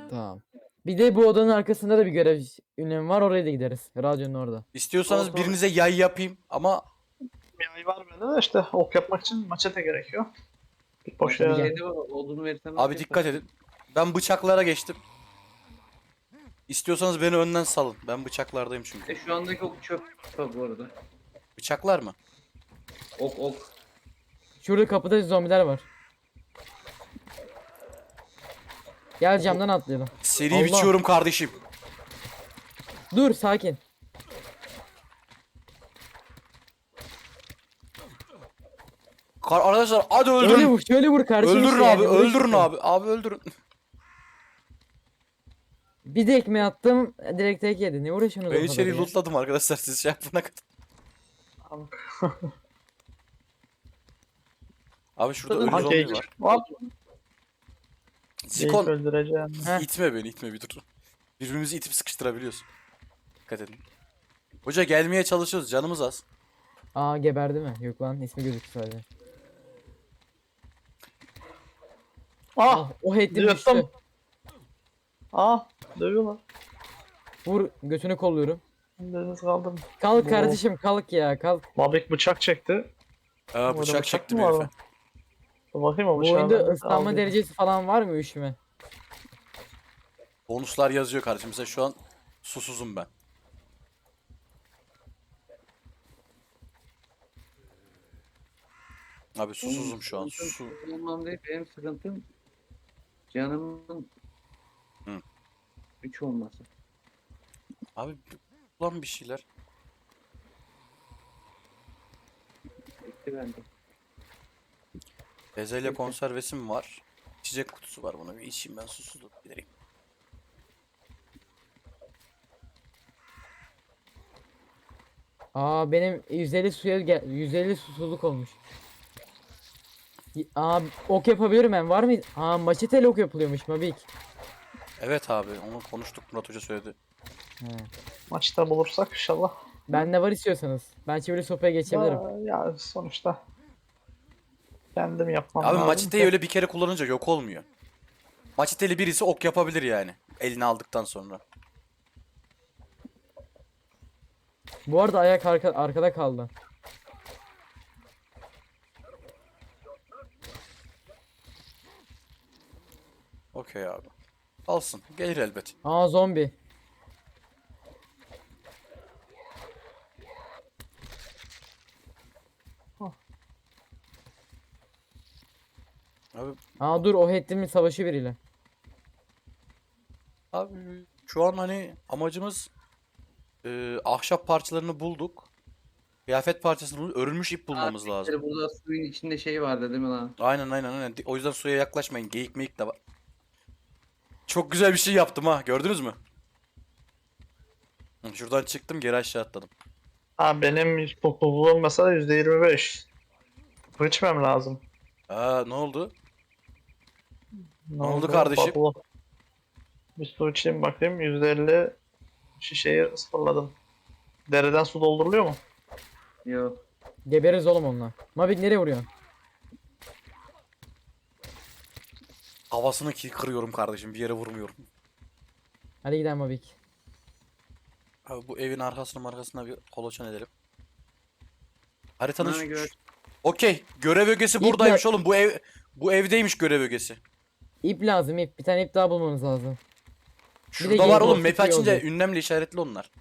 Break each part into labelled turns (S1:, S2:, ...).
S1: Tamam. Bir de bu odanın arkasında da bir görev ünlemi var. Oraya da gideriz. Radyonun orada.
S2: İstiyorsanız
S3: Tamam.
S2: birinize yay yapayım ama
S3: Bir ay var bende de işte ok yapmak için maçete gerekiyor. Bir boş
S1: Bir
S3: yere.
S1: gel.
S3: Yani.
S4: Şeyde var, odunu verirsen
S2: abi dikkat edin. Ben bıçaklara geçtim. İstiyorsanız beni önden salın. Ben bıçaklardayım çünkü.
S4: Şu andaki ok çöp bu arada.
S2: Bıçaklar mı?
S4: Ok.
S1: Şurada kapıda zombiler var. Gel camdan atlayalım.
S2: Seri
S1: Allah.
S2: biçiyorum kardeşim.
S1: Dur sakin.
S2: Arkadaşlar hadi
S1: Öyle
S2: öldürün.
S1: vur, şöyle vur kardeşim.
S2: Öldürün
S1: işte
S2: abi,
S1: yani, vur
S2: öldürün
S1: işte.
S2: abi. Abi öldürün.
S1: Bir de ekmeği attım, direkt tek yedi. Ne uğraşıyorsunuz
S2: Ben
S1: o kadar
S2: içeri
S1: ya?
S2: lootladım arkadaşlar siz şey yapana kadar. Abi şurada ölü
S3: Ha
S2: zombi
S3: geyik.
S2: var.
S3: Hop. Geyik
S2: Zikon
S3: öldüreceğim.
S1: Heh.
S2: itme beni, itme bir dur. Birbirimizi itip sıkıştırabiliyoruz. Dikkat edin. Hoca gelmeye çalışıyoruz, canımız az.
S1: Aa geberdi mi? Yok lan ismi gözüktü sadece.
S3: Ah!
S1: O head'im
S3: Yırttım.
S1: düştü.
S3: Ah! Dövüyorlar.
S1: Vur götünü kolluyorum.
S3: Deniz kaldım.
S1: Kalk
S3: Bu-
S1: kardeşim kalk ya kalk.
S3: Mabik bıçak çekti.
S2: Aa,
S3: Orada
S2: bıçak
S3: bıçak
S2: çektim
S3: mı var
S2: herife.
S3: lan? Dur bakayım o
S1: Bu
S3: bıçağı.
S1: oyunda
S3: ben
S1: ıslanma
S3: aldım.
S1: derecesi falan var mı üşüme?
S2: Bonuslar yazıyor kardeşim. Mesela şu an susuzum ben. Abi susuzum şu an. Su.
S4: Olmam değil, benim sıkıntım canımın
S2: Hı.
S4: 3 olması.
S2: Abi ulan bir şeyler.
S4: Bitti bende.
S2: Bezelye konservesi mi var? İçecek kutusu var, bunu bir içeyim ben susuzluk gidereyim.
S1: Aa benim 150 suya 150 susuzluk olmuş. Aa ok yapabilirim ben var mı? Aa maçetel ok yapılıyormuş Mabik.
S2: Evet abi onu konuştuk, Murat Hoca söyledi.
S1: He.
S3: Maçta bulursak inşallah.
S1: Bende var istiyorsanız. Ben çivili sopaya geçebilirim.
S3: Ya sonuçta kendim yapmam
S2: Abi
S3: lazım
S2: maçeteyi
S3: ki.
S2: öyle bir kere kullanınca yok olmuyor. Maçeteli birisi ok yapabilir yani. Eline aldıktan sonra.
S1: Bu arada ayak arkada kaldı.
S2: Okey abi. Alsın. Gelir elbet.
S1: Aa zombi.
S2: Abi,
S1: Aa dur o head'imin savaşı biriyle.
S2: abi şu an hani amacımız ahşap parçalarını bulduk. Kıyafet parçasını bulduk. Örülmüş ip bulmamız
S4: Abi,
S2: lazım.
S4: Burada suyun içinde şey vardı değil mi lan?
S2: Aynen. O yüzden suya yaklaşmayın. Geyik meyik de var. Çok güzel bir şey yaptım ha. Gördünüz mü? Hı, şuradan çıktım, geri aşağı atladım.
S3: Ha benim topluluğum mesela %25. Su içmem lazım.
S2: Aa, ne oldu?
S3: Ne
S2: oldu kardeşim?
S3: Bubble. Bir su içeyim bakayım. %50 şişeyi ısmarladım. Dereden su dolduruluyor mu?
S4: Yok.
S1: Geberiz oğlum onunla. Mabik nereye vuruyorsun?
S2: Havasını kırıyorum kardeşim. Bir yere vurmuyorum.
S1: Hadi gidelim Mabik.
S2: Abi bu evin arkasına bir kolaçan edelim. Haritanın
S4: Ha, gör.
S2: Okey. Görev ögesi
S1: İp
S2: buradaymış
S1: ne?
S2: oğlum. Bu evdeymiş görev ögesi.
S1: İp lazım ip. Bir tane ip daha bulmamız lazım.
S2: Şurada
S1: geyik
S2: var oğlum.
S1: olsa
S2: Map
S1: çok iyi
S2: açınca
S1: olacak.
S2: ünlemle işaretli onlar.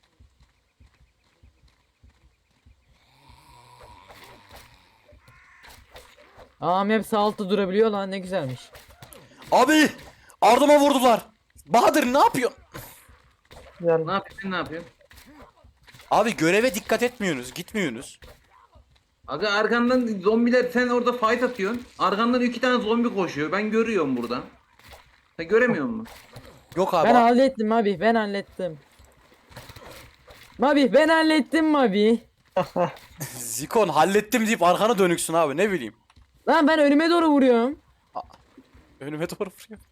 S1: Aa map sağ altta durabiliyor lan ne güzelmiş.
S2: Abi! Ardıma vurdular. Bahadır ne yapıyorsun?
S3: Yani
S4: Ne yapıyorsun, ne yapıyorsun?
S2: Abi göreve dikkat etmiyorsunuz. Gitmiyorsunuz.
S4: Aga arkandan zombiler, sen orada fight atıyorsun. Arkandan 2 tane zombi koşuyor. Ben görüyorum buradan. Sen göremiyor musun?
S2: Yok abi.
S1: Ben hallettim Mabik ben hallettim. Mabik ben hallettim Mabik.
S2: Zikon hallettim deyip arkana dönüksün abi. Ne bileyim.
S1: Lan ben önüme doğru vuruyorum.
S2: Önüme doğru vuruyor.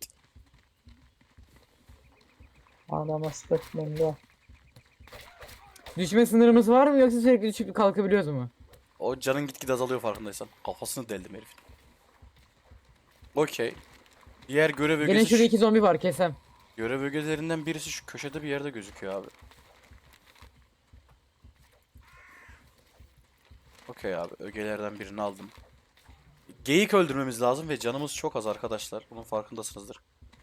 S3: Anama statement ya.
S1: Düşme sınırımız var mı yoksa sürekli düşüp kalkabiliyoruz mu?
S2: O canın gitgide azalıyor farkındaysan. Kafasını deldim herifin. Okey. Diğer görev
S1: Gelin
S2: ögesi
S1: şurada 2 zombi var kesem.
S2: Görev ögelerinden birisi şu köşede bir yerde gözüküyor abi. Okey abi, ögelerden birini aldım. Geyik öldürmemiz lazım ve canımız çok az arkadaşlar. Bunun farkındasınızdır.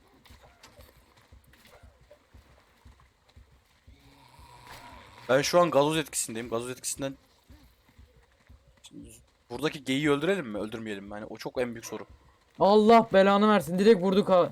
S2: Ben şu an gazoz etkisindeyim. Gazoz etkisinden... Şimdi buradaki geyiği öldürelim mi? Öldürmeyelim mi? Hani o çok en büyük soru.
S1: Allah belanı versin. Direkt vurduk ha.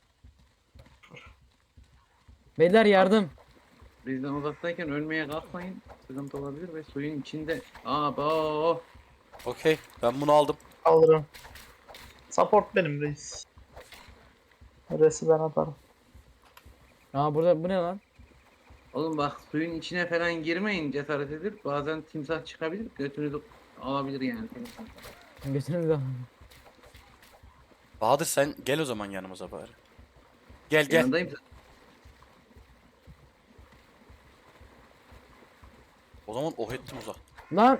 S1: Beyler yardım.
S4: Bizden uzaktayken ölmeye kalkmayın. Sıkıntı olabilir ve suyun içinde. Abo.
S2: Okey, ben bunu aldım.
S3: Alırım. Support benim reis. Resi ben atarım.
S1: Aa burada bu ne lan?
S4: Oğlum bak suyun içine falan girmeyin, cesaret edip bazen timsah çıkabilir, götünüzü alabilir yani.
S1: Götünüzü al.
S2: Bahadır sen gel o zaman yanımıza bari. Gel gel.
S4: Yanındayım.
S2: O zaman oh ettim uzak.
S1: Lan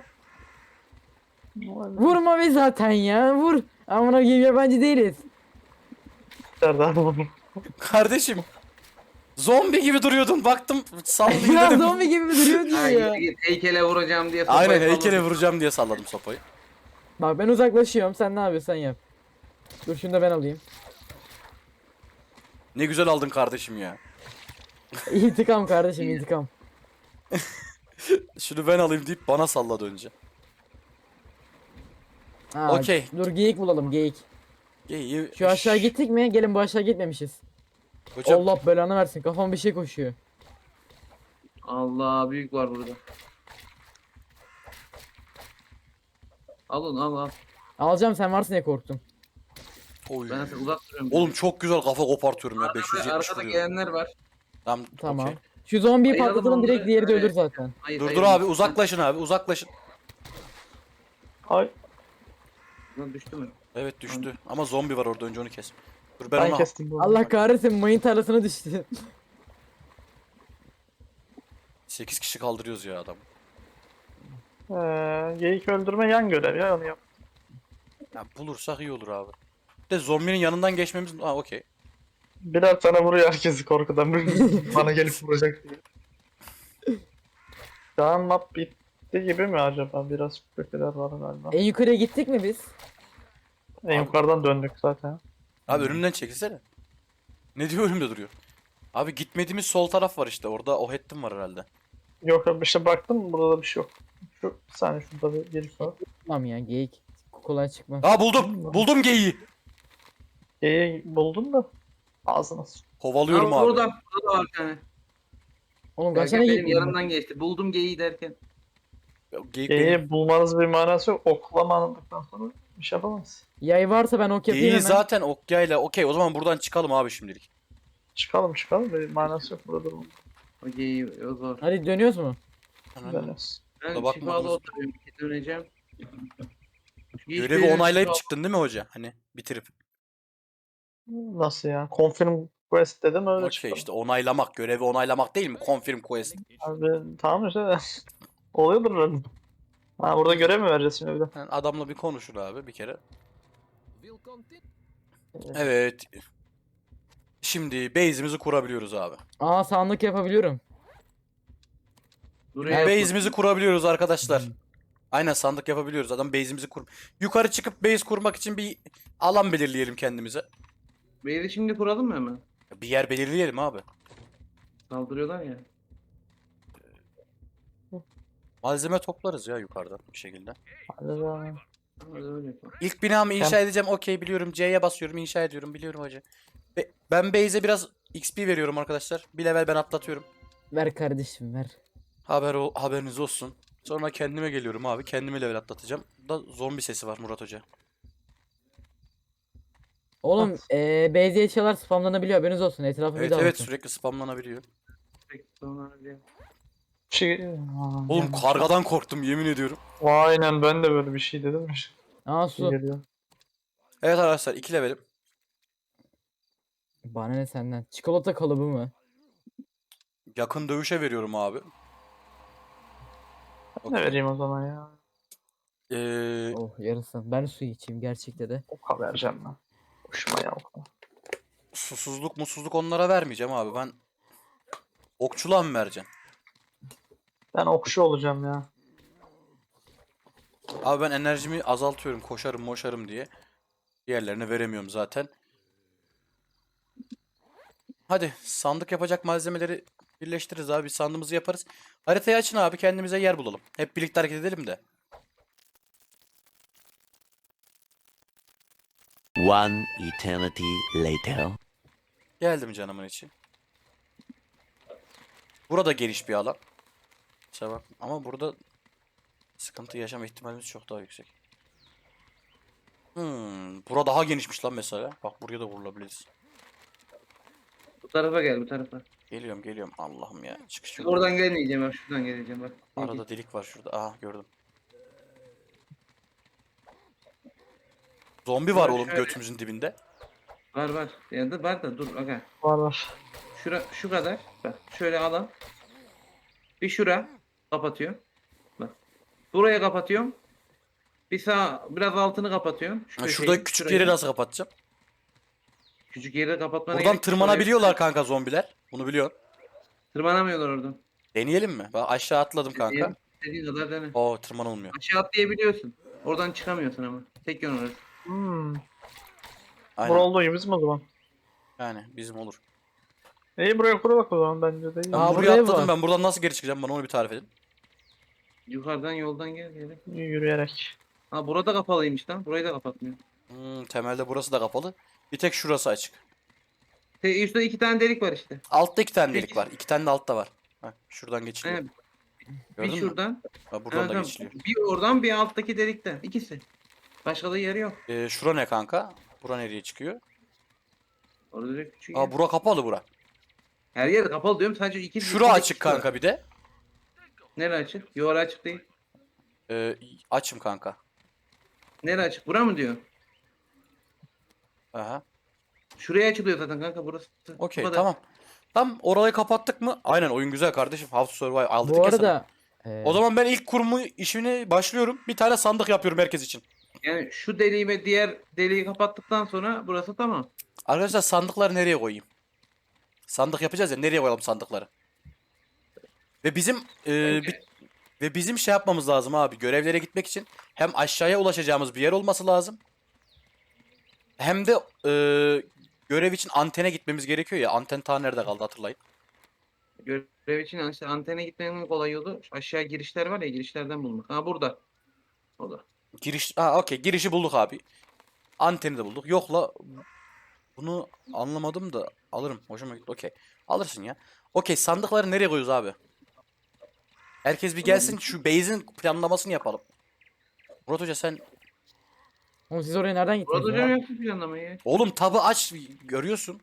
S1: vurma be zaten ya. Vur. Amına koyayım yabancı değiliz.
S3: Nereden buldum?
S2: Kardeşim. Zombi gibi duruyordun. Baktım sallayayım
S1: Ya
S2: dedim.
S1: zombi gibi mi duruyor diyor
S4: Ha,
S1: ya.
S4: git heykele vuracağım diye sopayı
S2: Aynen heykele
S4: salladım.
S2: vuracağım diye salladım sopayı.
S1: Bak ben uzaklaşıyorum. Sen ne yapıyorsan yap. Dur şunu da ben alayım.
S2: Ne güzel aldın kardeşim ya.
S1: İntikam kardeşim intikam.
S2: Şunu ben alayım deyip bana salladı önce.
S1: Aa,
S2: Okey.
S1: Dur geyik bulalım geyik.
S2: İyi.
S1: Şu aşağı gittik mi? Gelin bu aşağı gitmemişiz.
S2: Hocam
S1: Allah belanı versin. Kafam bir şey koşuyor.
S4: Allah büyük var burada. Alın al al.
S1: Alacağım sen varsın diye korktum.
S2: Oy.
S4: Ben size uzak duruyorum.
S2: Oğlum çok güzel kafa kopartıyorum ya.
S4: Arkada,
S2: 570
S4: arkada
S2: vuruyor.
S4: gelenler var.
S2: Tamam.
S1: Tamam.
S2: okey.
S1: Şu zombiyi
S4: Ayıralım
S1: patlatalım direkt
S4: onları.
S1: diğeri de ölür
S4: Evet.
S1: zaten.
S4: Hayır,
S2: Dur
S4: hayır,
S2: dur abi
S4: lütfen.
S2: uzaklaşın abi uzaklaşın.
S3: Ay
S4: Lan düştü mü?
S2: Evet düştü. Ama zombi var orada önce onu kes. Dur ben
S3: ben
S2: ona...
S3: kestim bunu.
S1: Allah kahretsin mayın tarlasına düştü.
S2: 8 kişi kaldırıyoruz ya adam.
S3: Geyik öldürme yan görev ya onu yap.
S2: Ya bulursak iyi olur abi. Bir de zombinin yanından geçmemiz... Aa okey.
S3: Birer tane vuruyor herkesi korkudan. Bana gelip vuracak diye. Şu an map bitti gibi mi acaba? Biraz şüpheler var galiba.
S1: En yukarıya gittik mi biz?
S3: En yukarıdan döndük zaten.
S2: Abi önümden çekilsene. Ne diyor önümde duruyor. Abi gitmediğimiz sol taraf var işte. Orada o hettim var herhalde.
S3: Yok abi işte baktım burada da bir şey yok. Şu bir saniye şurada bir gelip var.
S1: Tamam ya geyik. Kolay çıkmaz.
S2: Aa buldum. Buldum geyiği.
S3: Geyiği buldun da ağzına sıç.
S2: Kovalıyorum
S4: Aa,
S2: abi.
S4: burada var bir tane.
S1: Oğlum kaç
S4: Gel,
S1: tane
S4: benim
S1: geyik?
S4: yanımdan geçti. Buldum geyiği derken.
S2: Ya, geyik benim.
S3: Geyiği bulmanız bir manası yok. Oklamadıktan sonra bir şey yapamaz.
S1: Yay varsa ben ok yapayım
S2: Geyiği
S1: hemen.
S2: zaten okyayla. Okey o zaman buradan çıkalım abi şimdilik.
S3: Çıkalım bir manası yok burada durmanın.
S4: O geyiği o zor.
S1: Hadi dönüyoruz mu?
S3: Dönüyoruz.
S4: Ben
S2: bakma,
S4: şifalı
S2: bakma.
S4: oturuyorum. Döneceğim. Hiç
S2: Görevi
S4: benim
S2: onaylayıp
S4: şifa-
S2: çıktın değil mi hoca? Hani bitirip.
S3: Nasıl ya? Confirm quest dedim öyle
S2: Okey
S3: çıkalım.
S2: işte onaylamak. Görevi onaylamak değil mi? Confirm quest.
S3: Abi tamam işte. Oluyordur öyle. Ha burada görev mi vereceğiz şimdi bir de?
S2: Yani adamla bir konuşur abi bir kere. Evet. Şimdi base'imizi kurabiliyoruz abi.
S1: Aa sandık yapabiliyorum.
S4: Buraya
S2: Base'imizi kurabiliyoruz arkadaşlar. Aynen sandık yapabiliyoruz. Adam base'imizi kur. Yukarı çıkıp base kurmak için bir alan belirleyelim kendimize.
S4: Beyzi şimdi kuralım mı hemen?
S2: Bir yer belirleyelim abi.
S4: Saldırıyorlar ya.
S2: Malzeme toplarız ya yukarıdan bir şekilde.
S3: Hadi canım.
S4: Hadi öyle yapalım.
S2: İlk binamı inşa edeceğim. Okey biliyorum. C'ye basıyorum. İnşa ediyorum. Biliyorum hoca. Ben base'e biraz XP veriyorum arkadaşlar. Bir level ben atlatıyorum.
S1: Ver kardeşim ver.
S2: Haberiniz olsun. Sonra kendime geliyorum abi. Kendimi level atlatacağım. Da zombi sesi var Murat Hoca.
S1: Oğlum base eşyalar spamlanabiliyor haberiniz olsun. Etrafı bir
S2: Evet
S1: daha
S2: evet
S1: bakın.
S2: sürekli spamlanabiliyor.
S4: Peki, sonra bir-
S3: Şey...
S2: Oğlum kargadan korktum yemin ediyorum.
S3: Aynen ben de böyle bir şey dedim.
S1: Aa
S3: Şey
S1: su.
S3: geliyor.
S2: Evet arkadaşlar 2 levelim.
S1: Bana ne senden? Çikolata kalıbı mı?
S2: Yakın dövüşe veriyorum abi.
S3: Ne
S2: Okey.
S3: vereyim o zaman ya?
S1: Oh yarısı. Ben su içeyim gerçekte de.
S3: Oka vereceğim ben. Hoşuma ya oka.
S2: susuzluk musuzluk onlara vermeyeceğim abi. Ben okçuluğa mı vereceğim?
S3: Ben okçu olacağım ya.
S2: Abi ben enerjimi azaltıyorum. Koşarım moşarım diye. Diğerlerine veremiyorum zaten. Hadi sandık yapacak malzemeleri birleştiririz abi. Sandığımızı yaparız. Haritayı açın abi, kendimize yer bulalım. Hep birlikte hareket edelim de.
S5: One eternity later.
S2: Geldim canımın içi. Burada geniş bir alan. İşte bak ama burada sıkıntı yaşama ihtimalimiz çok daha yüksek. Bura daha genişmiş lan mesela. Bak buraya da vurulabiliriz.
S4: Bu tarafa gel, bu tarafa.
S2: Geliyorum Allah'ım ya. Çıkış yok.
S4: Oradan gelmeyeceğim bak, şuradan geleceğim bak.
S2: Arada delik var şurada. Aha gördüm. Zombi var
S4: Şöyle-
S2: oğlum
S4: şöyle.
S2: götümüzün dibinde.
S4: Var. Yani var da dur aga.
S3: Var.
S4: Şu kadar. Bak şöyle alan. Bir şura kapatıyor. Bak. Buraya kapatıyorum. Bir sağ biraz altını kapatıyorum. Şu
S2: Ha,
S4: köşeyi,
S2: şurada küçük
S4: şurayı.
S2: yeri nasıl kapatacağım?
S4: Küçük yeri kapatmana
S2: Buradan
S4: gerek yok.
S2: tırmanabiliyorlar kanka zombiler. Bunu biliyorsun.
S4: Tırmanamıyorlar oradan.
S2: Deneyelim mi? Ben aşağı atladım kanka.
S4: İstediğin kadar dene.
S2: Oo tırmanılmıyor.
S4: Aşağı atlayabiliyorsun. Oradan çıkamıyorsun ama. Tek yön orası.
S3: Hmm.
S2: Aynen.
S3: Bura olduğu gibi bizim o zaman.
S2: Yani bizim olur.
S3: İyi buraya kur bak o zaman bence de iyi.
S2: Ben
S1: Aa,
S2: buraya
S1: burada ev
S2: atladım.
S1: var.
S2: Ben buradan nasıl geri çıkacağım? Bana onu bir tarif edin.
S4: Yukarıdan yoldan gel.
S3: Yürüyerek.
S4: Ha burada kapalıymış lan. Burayı da kapatmıyor.
S2: Temelde burası da kapalı. Bir tek şurası açık.
S4: Üstte 2 tane delik var işte.
S2: Altta 2 tane delik
S4: Peki.
S2: var. 2 tane de altta var. Bak şuradan geçiliyor.
S4: Evet.
S2: Gördün
S4: Bir
S2: mü?
S4: şuradan.
S2: Ha, buradan
S4: Evet,
S2: da
S4: tamam.
S2: geçiliyor.
S4: Bir oradan bir alttaki delikten. İkisi. Başka da yeri yok.
S2: Şura ne kanka? Bura nereye çıkıyor?
S4: Orada direkt küçük
S2: Aa
S4: yer.
S2: bura kapalı bura.
S4: Her yer kapalı diyorum. Sadece iki
S2: Şura
S4: iki
S2: açık
S4: delik var.
S2: kanka bir de.
S4: Nere açık? Yo orası açık değil.
S2: Açım kanka.
S4: Nere açık? Bura mı diyor?
S2: Aha.
S4: Şuraya açılıyor zaten kanka burası. Bu
S2: Okey
S4: kadar.
S2: tamam. Tam orayı kapattık mı? Aynen oyun güzel kardeşim. How to Survive aldık
S1: Bu
S2: ya sana.
S1: arada
S2: O zaman ben ilk kurumu işini başlıyorum. Bir tane sandık yapıyorum herkes için.
S4: Yani şu deliği ve diğer deliği kapattıktan sonra burası tamam.
S2: Arkadaşlar sandıkları nereye koyayım? Sandık yapacağız ya, nereye koyalım sandıkları? Ve bizim ve bizim şey yapmamız lazım abi. Görevlere gitmek için hem aşağıya ulaşacağımız bir yer olması lazım. Hem de görev için antene gitmemiz gerekiyor ya. Anten ta nerede kaldı hatırlayın.
S4: Görev için işte antene gitmenin kolay yolu aşağı girişler var ya girişlerden bulmak. Ha burada. O da.
S2: Okey, girişi bulduk abi. Anteni de bulduk. Yok la, bunu anlamadım da alırım. Hoşuma gitti. Okey. Alırsın ya. Okey, sandıkları nereye koyuyoruz abi? Herkes bir gelsin, şu base'in planlamasını yapalım. Murat Hoca sen...
S1: oğlum siz oraya nereden gittiniz
S4: Burada
S1: ya?
S4: hocam yapsın planlamayı.
S2: Oğlum tabı aç, görüyorsun.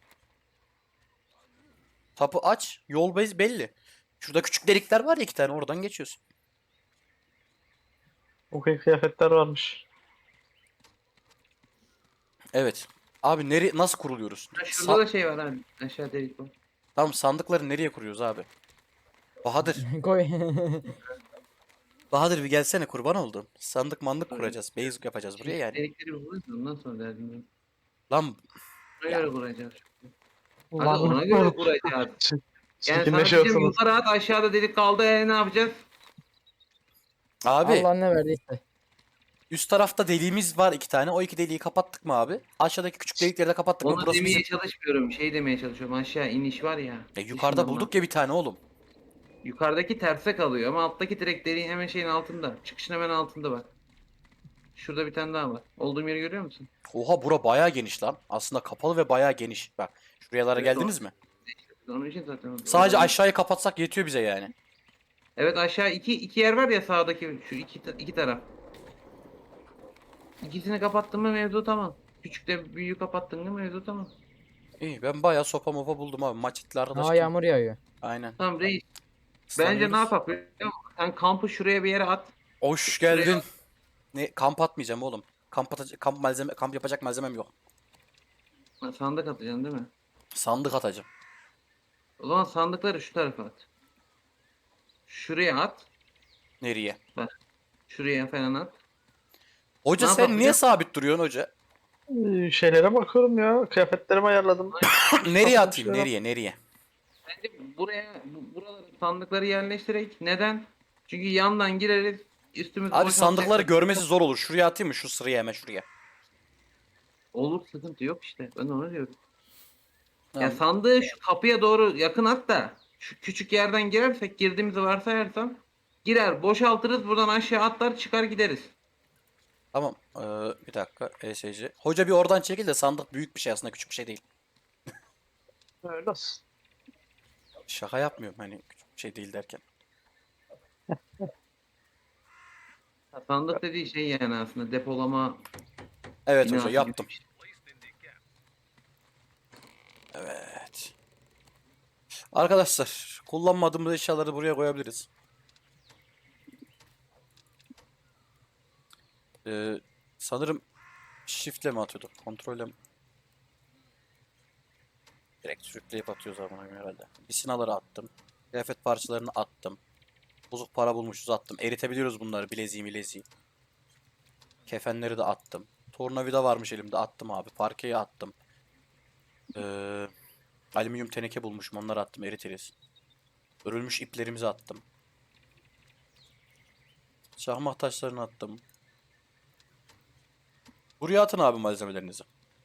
S2: Tabı aç. Yol base belli. Şurada küçük delikler var ya, 2 tane, oradan geçiyorsun.
S3: Okey kıyafetler varmış.
S2: Evet. Abi nasıl kuruluyoruz?
S4: Ha, şurada da şey var abi. Aşağı delik var.
S2: Tamam, sandıkları nereye kuruyoruz abi? Bahadır.
S1: Koy.
S2: Bahadır bir gelsene, kurban oldum. Sandık mandık
S4: Tabii.
S2: kuracağız. Base yapacağız buraya yani.
S4: Delikleri buluruz ondan sonra derdim ben.
S2: Lan
S4: Ona göre kuracağız. Hadi
S3: Ulan
S4: ona göre kuracağız. Yani sana diyeceğim
S3: çirkinleşiyorsunuz.
S4: yukarı at aşağıda delik kaldı ne yapacağız?
S2: abi
S1: Allah ne verdiyse.
S2: üst tarafta deliğimiz var 2 tane. O 2 deliği kapattık mı abi? Aşağıdaki küçük delikleri de kapattık mı?
S4: Onu
S2: Burası
S4: demeye
S2: bizim.
S4: çalışmıyorum. Şey demeye çalışıyorum. Aşağı iniş var ya.
S2: Yukarıda
S4: dışından
S2: bulduk
S4: bak.
S2: ya bir tane oğlum.
S4: Yukarıdaki terse kalıyor ama alttaki direkt deliğin hemen şeyin altında. Çıkışın hemen altında bak. Şurada bir tane daha var. Olduğum yeri görüyor musun?
S2: Oha, bura bayağı geniş lan. Aslında kapalı ve bayağı geniş. Bak şuralara
S4: Evet,
S2: geldiniz mi?
S4: Onun için zaten.
S2: Sadece aşağıyı kapatsak yetiyor bize yani.
S4: Evet aşağı iki yer var ya sağdaki şu iki taraf. İkisini kapattın mı mevzu tamam. Küçükle büyüğü kapattın mı mevzu tamam.
S2: İyi, ben bayağı sopa mopa buldum abi. Maçitli arkadaş
S1: Aa
S2: gibi.
S1: yağmur yağıyor.
S2: Aynen.
S4: Tamam reis. Bence
S2: Islanıyoruz.
S4: ne yapalım biliyor musun? Sen kampı şuraya bir yere at.
S2: Hoş geldin. Ne, kamp atmayacağım oğlum. Kamp yapacak malzemem yok.
S4: Ha, sandık atacaksın değil mi?
S2: Sandık atacağım.
S4: O zaman sandıkları şu tarafa at. Şuraya at.
S2: Nereye?
S4: Şuraya falan at.
S2: Hoca
S4: Ne
S2: sen
S4: yapalım
S2: niye
S4: biliyor
S2: sabit duruyorsun hoca?
S3: Şeylere bakıyorum ya. Kıyafetlerimi ayarladım.
S2: Nereye
S3: Satın
S2: atayım?
S3: şeyler.
S2: Nereye?
S4: Bence buraya buralara sandıkları yerleştirerek. Neden? Çünkü yandan gireriz. Üstümüz
S2: Abi
S4: boşalacak.
S2: sandıkları görmesi zor olur. Şuraya atayım mı? Şu sıraya, hemen şuraya.
S4: Olur, sıkıntı yok işte. Ben de onu diyorum. Ya
S2: Tamam.
S4: sandığı şu kapıya doğru yakın at da şu küçük yerden girersek, girdiğimizi varsayarsam, girer boşaltırız, buradan aşağı atlar çıkar gideriz.
S2: Tamam. Bir dakika. ESC. Hoca bir oradan çekil de, sandık büyük bir şey aslında, küçük bir şey değil.
S3: Öyle olsun.
S2: Şaka yapmıyorum hani, küçük bir şey değil derken.
S4: Ya sandık dediği şey yani aslında depolama
S2: Evet
S4: binası
S2: hoca,
S4: gibi
S2: yaptım.
S4: bir şey.
S2: Evet. Arkadaşlar, kullanmadığımız eşyaları buraya koyabiliriz. Sanırım shift'le mi atıyorduk? Kontrolle mi? Direkt sürükleyip atıyoruz ama herhalde. Bisinaları attım. Kıyafet parçalarını attım. Bozuk para bulmuşuz, attım. Eritebiliyoruz bunları, bileziği. Kefenleri de attım. Tornavida varmış elimde, attım abi. Parkeyi attım. Ee, Alüminyum teneke bulmuşum, onları attım, eritiriz. Örülmüş iplerimizi attım. Şahmat taşlarını attım. Buraya atın abi malzemelerinizi.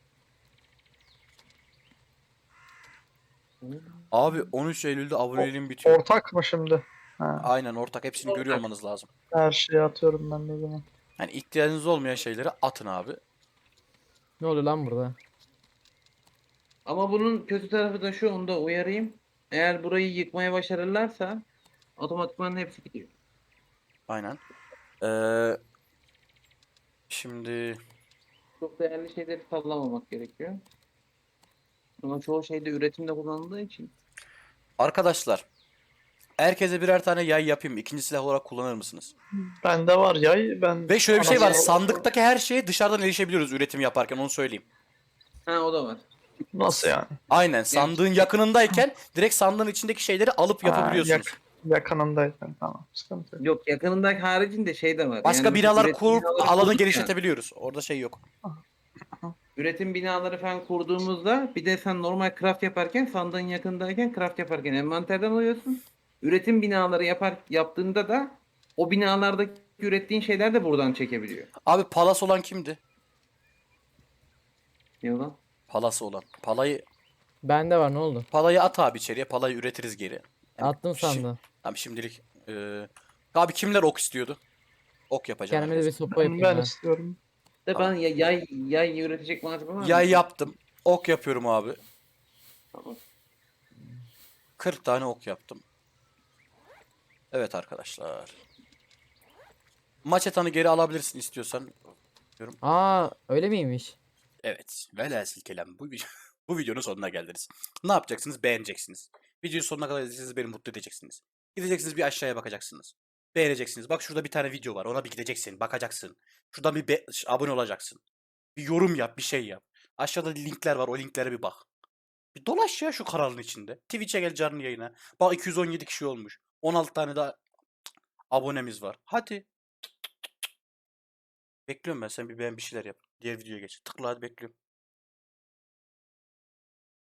S2: Abi 13 Eylül'de aboneliğim bitiyor.
S3: Ortak mı şimdi? Ha,
S2: Aynen ortak, hepsini görüyor
S4: Ortak.
S2: olmanız lazım.
S3: her şeyi atıyorum ben de o zaman.
S2: Yani ihtiyacınız olmayan şeyleri atın abi.
S1: Ne oluyor lan burada?
S4: Ama bunun kötü tarafı da şu, onu da uyarayım. Eğer burayı yıkmaya başarırlarsa otomatikman hepsi gidiyor.
S2: Aynen. Şimdi
S4: Çok değerli şeyleri sallamamak gerekiyor. Ama çoğu şeyde üretimde kullanıldığı için.
S2: arkadaşlar, herkese birer tane yay yapayım. İkinci silah olarak kullanır mısınız?
S3: Bende var yay. Ben
S2: Ve şöyle bir şey var.
S3: anasını-
S2: Sandıktaki her şeye dışarıdan erişebiliyoruz üretim yaparken, onu söyleyeyim.
S4: Ha, o da var.
S3: Nasıl yani?
S2: Aynen, sandığın yakınındayken direkt sandığın içindeki şeyleri alıp
S3: Ha,
S2: yapabiliyorsunuz.
S3: yakınındayken tamam. Sıkıntı yok.
S4: Yok, yakınındaki haricinde şey de var.
S2: Başka
S4: Yani mesela
S2: binalar
S4: üretim
S2: kurup
S4: binaları
S2: alanı
S4: kurduk ya,
S2: genişletebiliyoruz. Orada şey yok.
S4: üretim binaları falan kurduğumuzda bir de sen normal craft yaparken, sandığın yakındayken craft yaparken envanterden alıyorsun. Üretim binaları yaptığında da o binalardaki ürettiğin şeyler de buradan çekebiliyor.
S2: Abi palas olan kimdi?
S4: Ne lan?
S2: Palası olan.
S1: Bende var, ne oldu?
S2: Palayı at abi içeriye. Palayı üretiriz geri. Hem
S1: Attım
S2: şi-
S1: sandığı.
S2: Tamam şimdilik. Abi kimler ok istiyordu? Ok yapacağım
S1: Kendime de bir
S2: herkes.
S1: sopa
S3: Ben,
S1: yapayım
S3: ben
S1: ben.
S3: istiyorum.
S4: De
S2: Tamam.
S4: ben yay üretecek malzeme var mı?
S2: Yay yaptım. Ok yapıyorum abi.
S4: Tamam.
S2: 40 tane ok yaptım. Evet arkadaşlar. Maçetanı geri alabilirsin istiyorsan.
S1: Aa, öyle miymiş?
S2: Evet. Velhasıl kelam, bu videonun sonuna geldiniz. Ne yapacaksınız? Beğeneceksiniz. Videonun sonuna kadar izleyeceksiniz, beni mutlu edeceksiniz. Gideceksiniz, bir aşağıya bakacaksınız. Beğeneceksiniz. Bak şurada bir tane video var. Ona bir gideceksin, bakacaksın. Şuradan bir abone olacaksın. Bir yorum yap, bir şey yap. Aşağıda linkler var. O linklere bir bak. Bir dolaş ya şu kanalın içinde. Twitch'e gel, canlı yayına. Bak 217 kişi olmuş. 16 tane daha abonemiz var. Hadi. Bekliyorum ben. Sen bir beğen, bir şeyler yap. Diğer videoya geç. Tıkla hadi, bekliyorum.